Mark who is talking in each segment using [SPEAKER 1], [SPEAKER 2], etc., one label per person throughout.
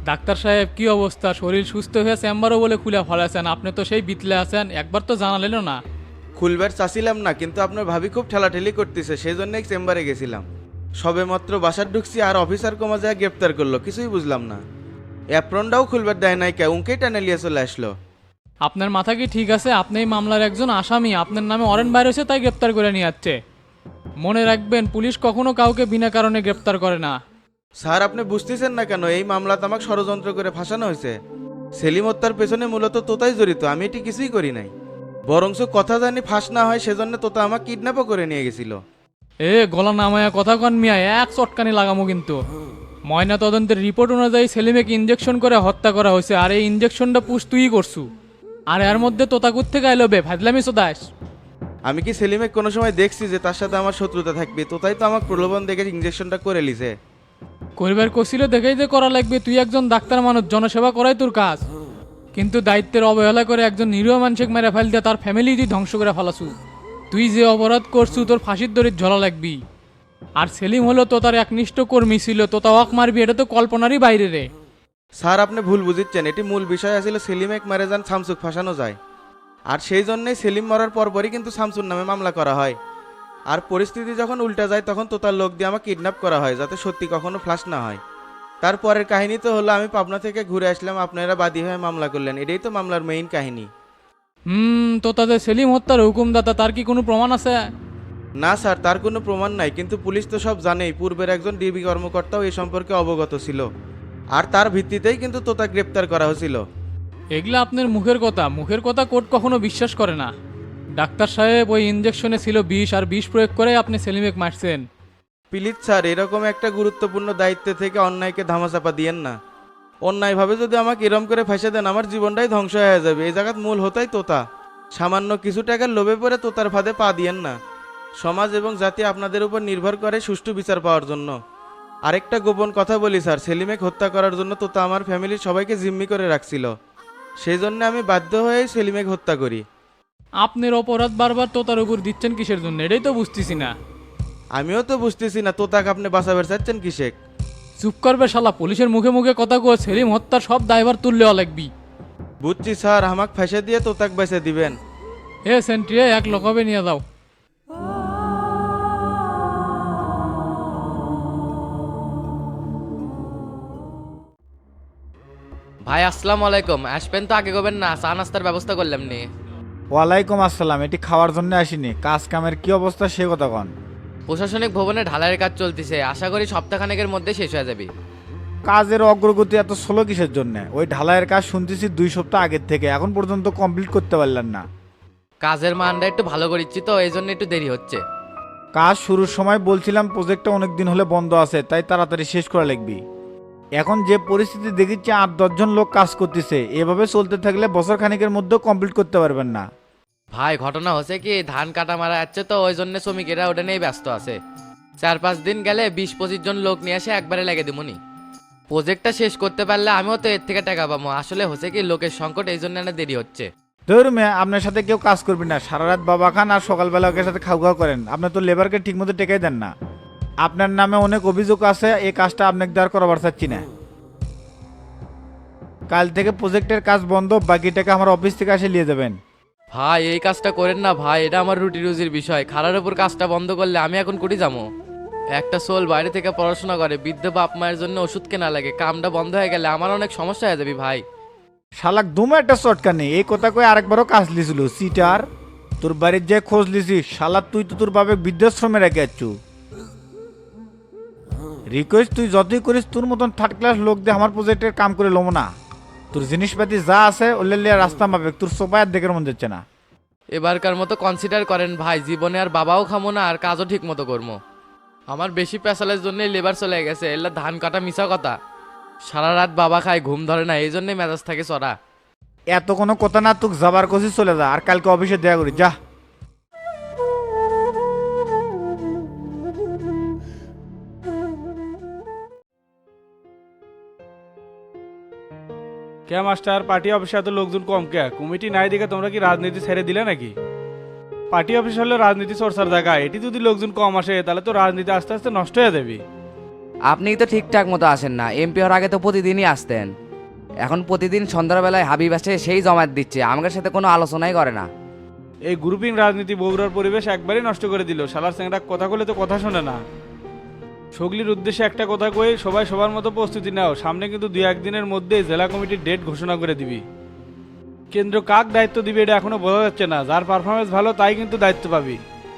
[SPEAKER 1] Doctor সাহেব কি অবস্থা? শরীর সুস্থ হয়ে চেম্বারও বলে খুলে ফেলেছেন, আপনি তো সেই বিতলে আছেন, একবার তো জানালেনও না।
[SPEAKER 2] খুলবার চাচ্ছিলাম না, কিন্তু আপনার ভাবি খুব ঠেলাঠেলি করতেছে, সেই জন্যই চেম্বারে গেছিলাম। সবেমাত্র বাসার ঢুকছি আর অফিসার কমা যায় গ্রেপ্তার করলো, কিছুই বুঝলাম না। অ্যাপ্রনটাও খুলবার দেয় নাই, কে উনকেই টানে লিয়ে চলে আসলো।
[SPEAKER 1] আপনার মাথা কি ঠিক আছে? আপনি এই মামলার একজন আসামি, আপনার নামে ওয়ারেন্ট বাইর হয়েছে তাই গ্রেপ্তার করে নিয়ে যাচ্ছে। মনে রাখবেন, পুলিশ কখনো কাউকে বিনা কারণে গ্রেপ্তার করে না।
[SPEAKER 2] স্যার, আপনি বুঝতেছেন না কেন? এই মামলাতে আমাকে ষড়যন্ত্র করে ফাঁসানো হয়েছে। সেলিম হত্যার পেছনে মূলত তোতাই জড়িত, আমি এটি কিছুই করি নাই। বরংস কথা জানি ফাঁস না হয় সেজন্য তোতা আমাকে কিডন্যাপও করে নিয়ে গেছিল।
[SPEAKER 1] গলা নামায়া কথা কন মিয়া, এক চটকানি লাগামো কিন্তু। ময়না তদন্তের রিপোর্ট অনুযায়ী সেলিমেকে ইঞ্জেকশন করে হত্যা করা হয়েছে, আর এই ইঞ্জেকশনটা পুষ তুই করছু। আর এর মধ্যে তোতাকুত থেকে আইলো বে ফাজলামি সোদাস।
[SPEAKER 2] আমি কি সেলিমে কোনো সময় দেখছি যে তার সাথে আমার শত্রুতা থাকবে? তোতাই তো আমাকে প্রলোভন দেখে ইঞ্জেকশনটা করে লিছে।
[SPEAKER 1] করিবার কছিল দেখেই যে করা লাগবে, তুই একজন ডাক্তার মানুষ, জনসেবা করাই তোর কাজ। কিন্তু দায়িত্বের অবহেলা করে একজন নিরীহ মানুষকে মেরে ফেল দিয়ে তার ফ্যামিলি তুই ধ্বংস করে ফেলাছু। তুই যে অপরাধ করছু তোর ফাঁসির দড়ির ঝলা লাগবি। আর সেলিম হলো তো তার একনিষ্ঠ কর্মী ছিল, তো তা ওয়াক মারবি, এটা তো কল্পনারই বাইরে রে।
[SPEAKER 2] স্যার, আপনি ভুল বুঝিচ্ছেন, এটি মূল বিষয় আছিল সেলিমেক মারে যান শামসুক ফাঁসানো যায়। আর সেই জন্যই সেলিম মরার পরপরই কিন্তু শামসুর নামে মামলা করা হয়। আর পরিস্থিতি যখন উল্টা যায় তখন তোতার লোক দিয়ে আমাকে কিডন্যাপ করা হয়, যাতে সত্যি কখনো ফ্লাশ না হয়। তারপরের কাহিনী তো হলো আমি পাবনা থেকে ঘুরে আসলাম, আপনারা বাদী হয়ে মামলা করলেন, এটাই তো মামলার মেইন কাহিনী।
[SPEAKER 1] তো তাদের সেলিম হত্যার হুকুমদাতা, তার কি কোনো প্রমাণ আছে?
[SPEAKER 2] না স্যার, তার কোনো প্রমাণ নাই, কিন্তু পুলিশ তো সব জানেই। পূর্বের একজন ডিবি কর্মকর্তাও এ সম্পর্কে অবগত ছিল, আর তার ভিত্তিতেই কিন্তু তোতা গ্রেপ্তার করা হয়েছিল।
[SPEAKER 1] এগুলা আপনার মুখের কথা, মুখের কথা কোর্ট কখনো বিশ্বাস করে না। ডাক্তার সাহেব, ওই ইঞ্জেকশনে ছিল বিষ, আর বিষ প্রয়োগ করে আপনি সেলিমেক মারছেন।
[SPEAKER 2] প্লিজ স্যার, এরকম একটা গুরুত্বপূর্ণ দায়িত্ব থেকে অন্যায়কে ধামাচাপা দিয়েন না। অন্যায়ভাবে যদি আমাকে এরম করে ফাঁসে দেন, আমার জীবনটাই ধ্বংস হয়ে যাবে। এই জায়গাত মূল হতাই তোতা। সামান্য কিছু টাকার লোভে পড়ে তোতার ফাঁদে পা দিয়েন না। সমাজ এবং জাতি আপনাদের উপর নির্ভর করে সুষ্ঠু বিচার পাওয়ার জন্য। আরেকটা গোপন কথা বলি স্যার, সেলিমেক হত্যা করার জন্য তোতা আমার ফ্যামিলির সবাইকে জিম্মি করে রাখছিল। সেই জন্য আমি বাধ্য হয়েই সেলিমেক হত্যা করি।
[SPEAKER 1] আপনার অপরাধ বারবার তোতার উপর দিচ্ছেন কিসের জন্য, এটাই তো বুঝতেছি না।
[SPEAKER 2] আমিও তো বুঝতেছি না তোতাকে আপনি বাঁচাবার চাচ্ছেন কিসেক।
[SPEAKER 1] চুপ করবে শালা, পুলিশের মুখে মুখে কথা কয়ে সেলিম হত্যার সব দায়ভার তুললেও লাগবি।
[SPEAKER 2] বুঝছি স্যার, আমাকে ফাঁসে দিয়ে তোতাক বেঁচে দিবেন।
[SPEAKER 1] সেন্ট্রি, এক লকবে নিয়ে যাও।
[SPEAKER 3] ভাই আসসালামু আলাইকুম। আসবেন তো আগে করবেন না, চা নাস্তার ব্যবস্থা করলাম নি।
[SPEAKER 4] ওয়ালাইকুম আসসালাম। এটি খাওয়ার জন্য আসিনি, কাজ কামের কি অবস্থা সে কথা কন।
[SPEAKER 3] প্রশাসনিক ভবনে ঢালাইয়ের কাজ চলতেছে, আশা করি সপ্তাহখানেকের মধ্যে শেষ হয়ে যাবে।
[SPEAKER 4] কাজের অগ্রগতি এত স্লো কিসের জন্য? ওই ঢালাইয়ের কাজ শুনতেছি 2 সপ্তাহ আগের থেকে, এখন পর্যন্ত কমপ্লিট করতে পারলেন না।
[SPEAKER 3] কাজের মানটা একটু ভালো করেছি তো, এই জন্য একটু দেরি হচ্ছে।
[SPEAKER 4] কাজ শুরুর সময় বলছিলাম প্রজেক্টটা অনেক দিন হলে বন্ধ আছে, তাই তাড়াতাড়ি শেষ করা লাগবে। এখন যে পরিস্থিতি দেখিচ্ছে 8-10 জন লোক কাজ করতেছে, এভাবে চলতে থাকলে বছর খানিকের মধ্যেও কমপ্লিট করতে পারবেন না।
[SPEAKER 3] ভাই ঘটনা হচ্ছে কি, ধান কাটা মারা যাচ্ছে তো, ওই জন্য শ্রমিকেরা ওটা নিয়েই ব্যস্ত আছে। 4-5 দিন গেলে 20-25 জন লোক নিয়ে এসে একবারে লেগে দিবনি। প্রজেক্টটা শেষ করতে পারলে আমিও তো এর থেকে টাকা পাবো। আসলে হচ্ছে কি, লোকের সংকট, এই জন্য না দেরি হচ্ছে।
[SPEAKER 4] ধরুন আপনার সাথে কেউ কাজ করবি না, সারা রাত বাবা খান আর সকালবেলা ওকে সাথে খাওয়া করেন। আপনি তো লেবারকে ঠিকমতো টেকাই দেন না। আপনার নামে অনেক অভিযোগ আছে, এই কাজটা আপনাকে দেওয়ার করাবার চাচ্ছি না। কাল থেকে প্রজেক্টের কাজ বন্ধ, বাকি টাকা আমার অফিস থেকে এসে নিয়ে যাবেন।
[SPEAKER 3] ভাই এই কাজটা করেন না ভাই, এটা আমার রুটি রুজির বিষয়। খারার উপর কাজটা বন্ধ করলে আমি এখন কুটি যাবো। একটা সোল বাইরে থেকে পড়াশোনা করে, বৃদ্ধ বাপ মায়ের জন্য ওষুধ কেনা লাগে, কামটা বন্ধ হয়ে গেলে আমার অনেক সমস্যা হয়ে যাবে ভাই।
[SPEAKER 4] শালাক দুমা একটা চটকা নেই, এই কথা কয়ে আরেকবারও কাজ লিছিল সিটার। তোর বাড়ির যে খোঁজ লিছিস শালা, তুই তো তোর বাবে বৃদ্ধাশ্রমে রেখে যাচ্ছু। রিকোয়েস্ট তুই যতই করিস, তোর মতন 3rd ক্লাস লোক দিয়ে আমার প্রজেক্টের কাম করে লোম না। তোর জিনিসপাতি যা আছে ওলে লিয়ে রাস্তা মাপে, তোর সোপায় দেখের মন যাচ্ছে না।
[SPEAKER 3] এবারকার মতো কনসিডার করেন ভাই, জীবনে আর বাবাও খামো না, আর কাজও ঠিক মতো করবো। আমার বেশি পেশালের জন্যই লেবার চলে গেছে, এলা ধান কাটা মিশা কথা। সারা রাত বাবা খায়, ঘুম ধরে না, এই জন্যই মেজাজ থাকে চড়া।
[SPEAKER 4] এত কোনো কথা না, তুই যাবার কষি চলে যা, আর কালকে অফিসে দেয়া করি যা।
[SPEAKER 5] কে মাস্টার, পার্টি অফিসে এত লোকজন কম কে? কমিটি নাই দেখে তোমরা কি রাজনীতি ছেড়ে দিলে নাকি? পার্টি অফিস হলো রাজনীতি চর্চার জায়গা, এটি যদি লোকজন কম আসে তাহলে তো রাজনীতি আস্তে আস্তে নষ্ট হয়ে যাবে।
[SPEAKER 6] আপনিই তো ঠিকঠাক মতো আসেন না, এমপি হওয়ার আগে তো প্রতিদিনই আসতেন। এখন প্রতিদিন সন্ধ্যার বেলায় হাবিব আসে, সেই জমায়েত দিচ্ছে, আমাদের সাথে কোনো আলোচনাই করে না।
[SPEAKER 5] এই গ্রুপিং রাজনীতি বগুড়ার পরিবেশ একবারই নষ্ট করে দিল। শালার স্যাংরা কথা বলে তো কথা শোনে না। সগলির উদ্দেশ্যে একটা কথা কই, সবাই সবার মতো প্রস্তুতি নাও, সামনে কিন্তু 2-1 দিনের মধ্যেই জেলা কমিটির ডেট ঘোষণা করে দিবি। কেন্দ্র কাক দায়িত্ব দিবে এটা এখনো বোঝা যাচ্ছে না, যার পারফরমেন্স ভালো তাই কিন্তু দায়িত্ব পাবি।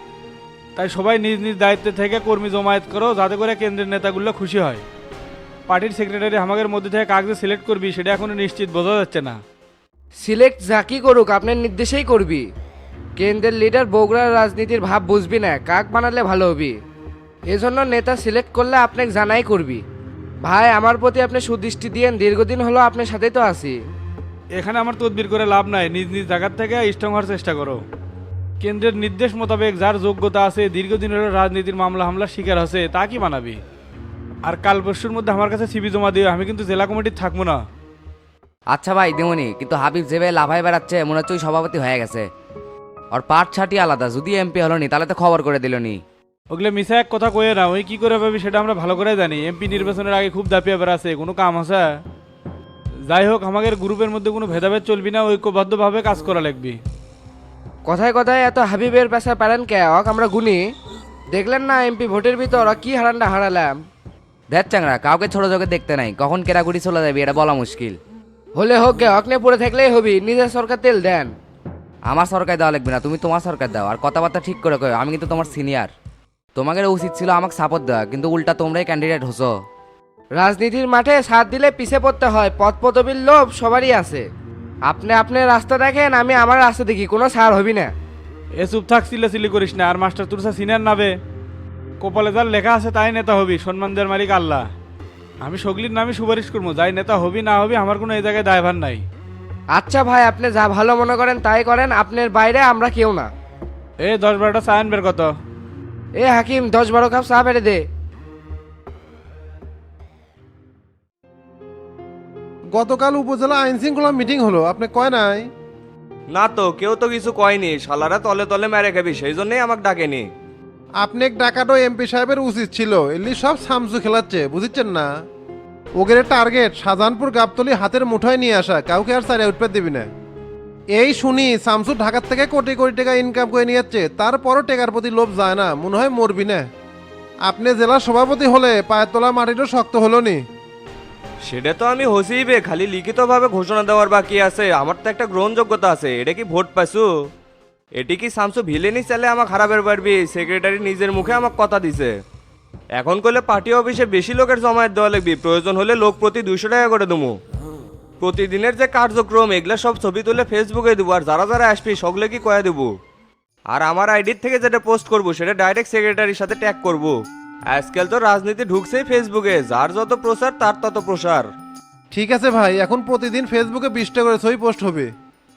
[SPEAKER 5] তাই সবাই নিজ নিজ দায়িত্বে থেকে কর্মী জমায়েত করো, যাতে করে কেন্দ্রের নেতাগুলো খুশি হয়। পার্টির সেক্রেটারি আমাদের মধ্যে থেকে কাকে সিলেক্ট করবি সেটা এখনো নিশ্চিত বোঝা যাচ্ছে না।
[SPEAKER 7] সিলেক্ট যাকি করুক আপনার নির্দেশেই করবি। কেন্দ্রের লিডার বগুড়ার রাজনীতির ভাব বুঝবি না, কাক বানালে ভালো হবি। এজন্য নেতা সিলেক্ট করলে আপনাকে জানাই করবি। ভাই আমার প্রতি আপনি সুদৃষ্টি দিয়েন, দীর্ঘদিন হলো আপনার সাথেই তো আছি।
[SPEAKER 5] এখানে আমার তদবির করে লাভ নাই, নিজ নিজ জায়গার থেকে স্ট্রং হওয়ার চেষ্টা করো। কেন্দ্রের নির্দেশ মোতাবেক যার যোগ্যতা আছে, দীর্ঘদিন হলো রাজনীতির মামলা হামলার শিকার হচ্ছে, তা কি বানাবি। আর কাল পরশুর মধ্যে আমার কাছে সিবি জমা দিও, আমি কিন্তু জেলা কমিটির থাকবো না।
[SPEAKER 6] আচ্ছা ভাই দেমনি, কিন্তু হাবিব যেভাবে লাফায় বেড়াচ্ছে মনে হচ্ছে ওই সভাপতি হয়ে গেছে। আর পাট ছাটি আলাদা, যদি এমপি হলো নি তাহলে তো খবর করে দিল নি।
[SPEAKER 5] ওগুলো মিশা এক কথা কয়ে না, ওই কি করে পাবি সেটা আমরা ভালো করে জানি। এমপি নির্বাচনের আগে খুব দাপিয়ে বেড়াচ্ছে, কোনো কাম আছে। যাই হোক, আমাদের গ্রুপের মধ্যে কোনো ভেদাভেদ চলবি না, ঐক্যবদ্ধভাবে কাজ করা লাগবে।
[SPEAKER 7] কথায় কথায় এত হাবিবের পেশা পারেন কে হক, আমরা গুনি। দেখলেন না এমপি ভোটের ভিতর ওরা কি হারানটা হারালাম।
[SPEAKER 6] দেখ চাংরা, কাউকে ছোট চোখে দেখতে নাই, কখন কেরাগুড়ি চলে যাবে এটা বলা মুশকিল।
[SPEAKER 7] হলে হোক গে, হক নিয়ে পড়ে থাকলেই হবি, নিজের সরকার তেল দেন।
[SPEAKER 6] আমার সরকার দেওয়া লাগবে না, তুমি তোমার সরকার দাও। আর কথাবার্তা ঠিক করে কয়, আমি কিন্তু তোমার সিনিয়র। তোমাদের উচিত ছিল আমাকে সাপোর্ট দেওয়া, কিন্তু উল্টা তোমরাই ক্যান্ডিডেট হছো।
[SPEAKER 7] রাজনীতির মাঠে সাথ দিলে পিছে পড়তে হয়, পদ পদবীর লোভ সবারই আছে। আপনি আপনার রাস্তা দেখেন, আমি আমার রাস্তা দেখি, কোনো ছাড় হবি না।
[SPEAKER 5] এ চুপ থাক, চিল্লাচিল্লি করিস না। আর মাস্টার তুরসা সিনিয়র নাবে, কপালে যার লেখা আছে তাই নেতা হবি, সম্মান দেওয়ার মালিক আল্লাহ। আমি সগলির নামে সুপারিশ করবো, যাই নেতা হবি না হবি আমার কোনো এই জায়গায় দায়ভার নাই।
[SPEAKER 7] আচ্ছা ভাই, আপনি যা ভালো মনে করেন তাই করেন, আপনার বাইরে আমরা কেউ না।
[SPEAKER 5] 10-12টা চায়ন বের কত।
[SPEAKER 7] এ হাকিম 10-12 কাপ চা বেড়ে দে।
[SPEAKER 8] গতকাল উপজেলা আইন শৃঙ্খলা মিটিং হলো, আপনি কয় নাই?
[SPEAKER 9] না তো, কেউ তো কিছু কয়নি, শালারা তলে তলে মেরে খাবি, সেই জন্যই আমাকে ডাকেনি।
[SPEAKER 8] আপনি ডাকাটো এমপি সাহেবের উচিত ছিল, এলি সব সামসু খেলাচ্ছে, বুঝিচ্ছেন না? ওগের টার্গেট শাহজাহানপুর গাবতলি হাতের মুঠোয় নিয়ে আসা, কাউকে আর সারে উৎপাদ দিবি না। এই শুনি শামসু ঢাকার থেকে কোটি কোটি টাকা ইনকাম করে নিয়ে যাচ্ছে, তারপরও টেকার প্রতি লোভ যায় না, মনে হয় মরবি না। আপনি জেলার সভাপতি হলে পায়ের তোলা মাটিটা শক্ত হলো নি।
[SPEAKER 9] সেটা তো আমি হসিবে, খালি লিখিতভাবে ঘোষণা দেওয়ার বাকি আছে। আমার তো একটা গ্রহণযোগ্যতা আছে, এটা কি ভোট পাইছু? এটি কি শামসু ভিলেনি চালে আমাকে হারাবের পারবি? সেক্রেটারি নিজের মুখে আমাকে কথা দিছে। এখন করলে পার্টি অফিসে বেশি লোকের জমায়েত দেওয়া লাগবে, প্রয়োজন হলে লোক প্রতি 200 টাকা করে দেবো। প্রতিদিনের যে কার্যক্রম এগুলা সব ছবি তুলে ফেসবুকে দেবো, আর যারা যারা আসবি সবগুলো কি কয়ে দেবো। আর আমার আইডির থেকে যেটা পোস্ট করবো সেটা ডাইরেক্ট সেক্রেটারির সাথে ট্যাগ করবো। আজকাল তো রাজনীতি ঢুকছেই ফেসবুকে, যার যত প্রচার তার তত প্রসার।
[SPEAKER 8] ঠিক আছে ভাই, এখন প্রতিদিন ফেসবুকে 20টা করে ছবি পোস্ট হবে।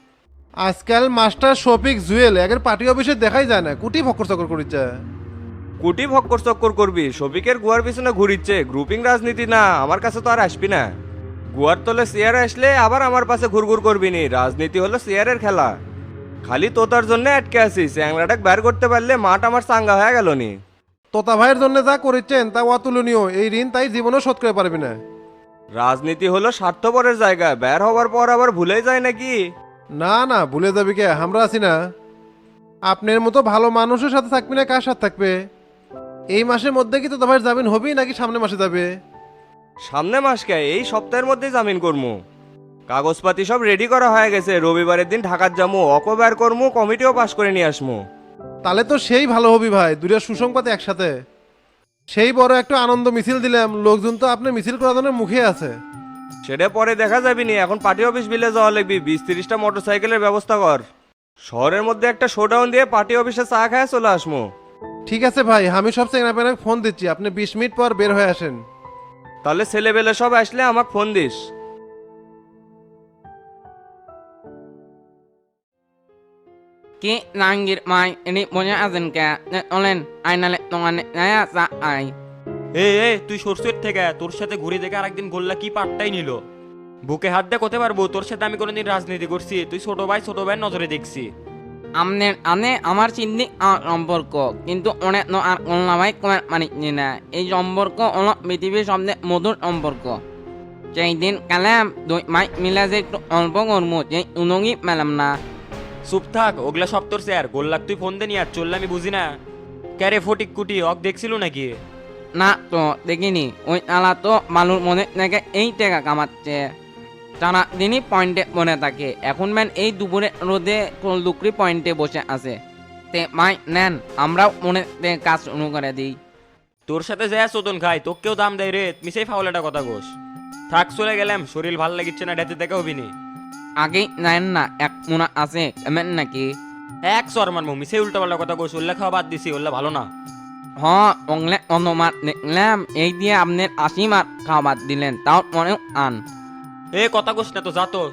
[SPEAKER 8] আজকাল মাস্টার শফিক জুয়েল একের পার্টি অফিসে দেখাই যায় না, কুটি ফকর চকর করিচ্ছে।
[SPEAKER 9] কুটি ভক্কর চক্কর করবি, শফিকের গুয়ার পিছনে ঘুরিচ্ছে। গ্রুপিং রাজনীতি না, আমার কাছে তো আর আসবি না। গুয়ার তলে চেয়ারে আসলে আবার আমার পাশে ঘুরঘুর করবি নি, রাজনীতি হলো চেয়ারের খেলা। খালি তোতার জন্য আটকে আছিস, চ্যাংলাটাকে বের করতে পারলে মাঠ আমার চাঙ্গা হয়ে গেল নি।
[SPEAKER 8] তোতা ভাইয়ের জন্য যা করেছেন তা অতুলনীয়, এই ঋণ তাই জীবনেও শোধ করে পারবি না।
[SPEAKER 9] রাজনীতি হলো স্বার্থপরের জায়গা, বের হবার পর আবার ভুলেই যায় নাকি?
[SPEAKER 8] না না, ভুলে যাবি কে, আমরা আছি না। আপনার মতো ভালো মানুষের সাথে থাকবি না, কার সাথে থাকবে? এই মাসের মধ্যে কি তোতা ভাইয়ের জামিন হবি নাকি সামনে মাসে যাবে?
[SPEAKER 9] সামনে মাসকে এই সপ্তাহের মধ্যেই জামিন করবো। কাগজপাতি সব রেডি করা হয়ে গেছে, রবিবারের দিন ঢাকার যাবো, অকো বের করবো, কমিটিও পাশ করে নিয়ে আসবো।
[SPEAKER 8] তাহলে তো সেই ভালো হবি ভাই, দুইটা সুসংবাদ একসাথে। সেই বড় একটা আনন্দ মিছিল দিলাম, লোকজন তো আপনি মিছিল করার জন্য মুখে আছে।
[SPEAKER 9] সেটা পরে দেখা যাবি নি, এখন পার্টি অফিস বিলে যাওয়া লাগবি। 20-30টা মোটরসাইকেলের ব্যবস্থা কর, শহরের মধ্যে একটা শোডাউন দিয়ে পার্টি অফিসে চা খায় চলে আসবো।
[SPEAKER 8] ঠিক আছে ভাই, আমি সব চেঙ্গাপেনাকে ফোন দিচ্ছি, আপনি 20 মিনিট পর বের হয়ে আসেন।
[SPEAKER 9] তাহলে ছেলেবেলে সব আসলে আমাকে ফোন দিস।
[SPEAKER 10] Ki nangir mai ini punya azan ke olen ainale tongane naya sa ai.
[SPEAKER 11] এই তুই সরষের থেকে তোর সাথে ঘুরে দেখে আরেকদিন গোল্লা কি পাট্টাই নিল। বুকে হাত দিয়ে করতে পারবো, তোর সাথে আমি কোনোদিন রাজনীতি করছি? তুই ছোট ভাই নজরে দেখছি।
[SPEAKER 10] আমনের আনে আমার চিন্তি আর সম্পর্ক কিন্তু অনেক ন আর অনলামাই কমার মানিনি না এই সম্পর্ক হলো পৃথিবীর সবচেয়ে মধুর সম্পর্ক সেই দিন কালাম দুই মাই মিলা যে একটু অল্প কর্ম যে উনঙ্গি মেলাম না
[SPEAKER 11] চুপ থাক ওগুলা সব তোর স্যার গোল্লাক তুই ফোন দে নি আর চললে আমি বুঝি না ক্যারে ফটিক কুটি অক দেখছিল নাকি
[SPEAKER 10] না তো দেখিনি ওই আলা তো মালুর মনে নাকি এই টাকা কামাচ্ছে টানা দিনই পয়েন্টে মনে থাকে এখন ম্যান এই দুপুরে রোদে লুকরি পয়েন্টে বসে আছে তে মাই নেন আমরাও মনে কাজ শুরু করে দিই
[SPEAKER 11] তোর সাথে যায় চোদন খাই তোকেও দাম দেয় রে মিশাই ফাউল একটা কথা গোস থাক চলে গেলাম শরীর ভাল লাগিচ্ছে না ডেতে দেখা হবি নি
[SPEAKER 10] আগেই নেন না এক মোনা আছে এমন নাকি
[SPEAKER 11] এক সর মারমু মিশাই উল্টা পাল্টা কথা গোস উল্লেখ খাওয়া বাদ দিছি ওল্লা ভালো না
[SPEAKER 10] হ অংলে অনুমান দেখলাম এই দিয়ে আপনার 80 মার খাবার দিলেন তাও মনে আন
[SPEAKER 11] এ কথা গোস না তো যা তো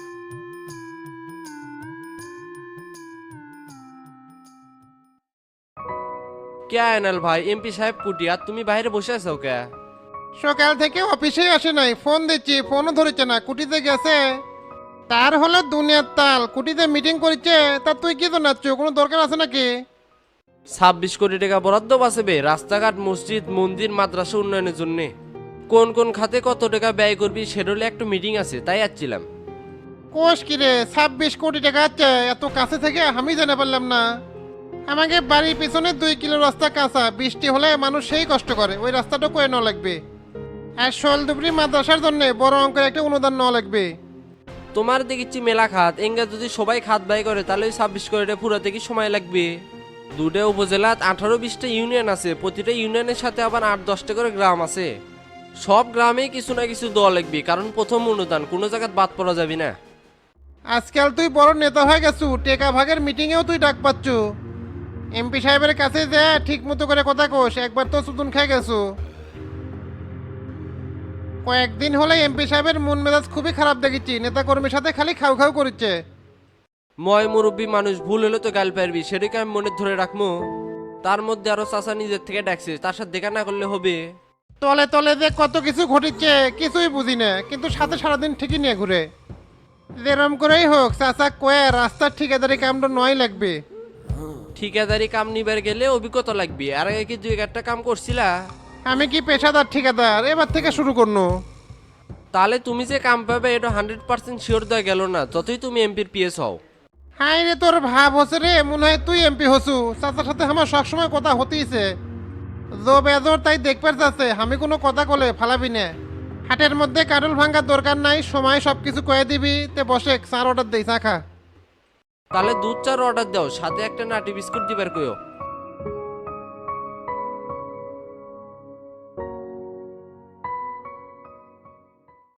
[SPEAKER 12] কে আয়নাল ভাই এমপি সাহেব কুটি আর তুমি বাইরে বসে আছো কে?
[SPEAKER 8] সকাল থেকে অফিসে আসে নাই, ফোন দিচ্ছি ফোনও ধরেছে না, কুটিতে গেছে। তার হলো দুনিয়ার তাল, কুটিতে মিটিং করছে, তা তুই কি জানাচ্ছ, কোনো দরকার আছে নাকি?
[SPEAKER 12] 26 কোটি টাকা বরাদ্দ বাঁচবে রাস্তাঘাট মসজিদ মন্দির মাদ্রাসা উন্নয়নের জন্য। কোন কোন খাতে কত টাকা ব্যয় করবি সেডলে একটু মিটিং আছে তাই আসছিলাম।
[SPEAKER 8] কোষ কিরে 26 কোটি টাকা আছে, এত কাছে থেকে আমি জানা পারলাম না। আমাকে বাড়ির পিছনে 2 কিলো রাস্তা কাঁচা, বৃষ্টি হলে মানুষ সেই কষ্ট করে, ওই রাস্তাটা করে নেওয়া লাগবে। আর শোলদুবরি মাদ্রাসার জন্য বড় অঙ্কের একটা অনুদান নেওয়া লাগবে।
[SPEAKER 12] তোমার দেখিচ্ছি মেলা খাত, এঙ্গা যদি সবাই খাত ব্যয় করে তাহলে ওই 26 কোটি টাকা পুরাতে কি সময় লাগবে? দুটো উপজেলাত 18-20টা ইউনিয়ন আছে, প্রতিটা ইউনিয়নের সাথে আবার 8-10টা করে গ্রাম আছে। সব গ্রামেই কিছু না কিছু দেওয়া লাগবে, কারণ প্রথম অনুদান কোনো জায়গায় বাদ পড়া যাবে না।
[SPEAKER 8] আজকাল তুই বড় নেতা হয়ে গেছু, টেকা ভাগের মিটিংয়েও তুই ডাক পাচ্ছু। এমপি সাহেবের কাছে যা ঠিক মতো করে কথা কোষ, একবার তো সুতুন খেয়ে গেছু। কয়েকদিন হলে এমপি সাহেবের মন মেজাজ খুবই খারাপ দেখেছি, নেতা কর্মীর সাথে খালি খাও খাও করছে।
[SPEAKER 12] ময় মুরব্বী মানুষ ভুল হলে তো গাল পারবি, সেটাকে আমি মনে ধরে রাখবো। তার মধ্যে আরো চাচা নিজের থেকে ডাকছে, তার সাথে দেখা না করলে হবে?
[SPEAKER 8] তলে তলে যে কত কিছু ঘটিচ্ছে কিছুই বুঝি না, কিন্তু সাথে সারাদিন ঠিকই নিয়ে ঘুরে। যেরম করেই হোক চাচা কয়ে রাস্তার ঠিকাদারি কামটা নয় লাগবে।
[SPEAKER 12] ঠিকাদারি কাম নিবার গেলে অভিজ্ঞতা লাগবে, আর আগে কি 2-1টা কাম করছিলা?
[SPEAKER 8] আমি কি পেশাদার ঠিকাদার, এবার থেকে শুরু করনো।
[SPEAKER 12] তাহলে তুমি যে কাম পাবে এটা 100% শিওর দেওয়া গেল না, যতই তুমি এমপির পিএস হও।
[SPEAKER 8] হাই রে, তোর ভাব হচ্ছে রে, মনে হয় তুই এমপি হসু। চাচার সাথে আমার সবসময় কথা হতেইছে, জো বেজোর তাই দেখবার যাচ্ছে, আমি কোনো কথা কলে ফালাবি না। হাটের মধ্যে কারুল ভাঙ্গার দরকার নাই, সময় সব কিছু কয়ে দিবি। তে বসে চার অর্ডার দেই, চা খা।
[SPEAKER 12] তাহলে দুধ চার অর্ডার দাও, সাথে একটা নাটি বিস্কুট দিবার কইও।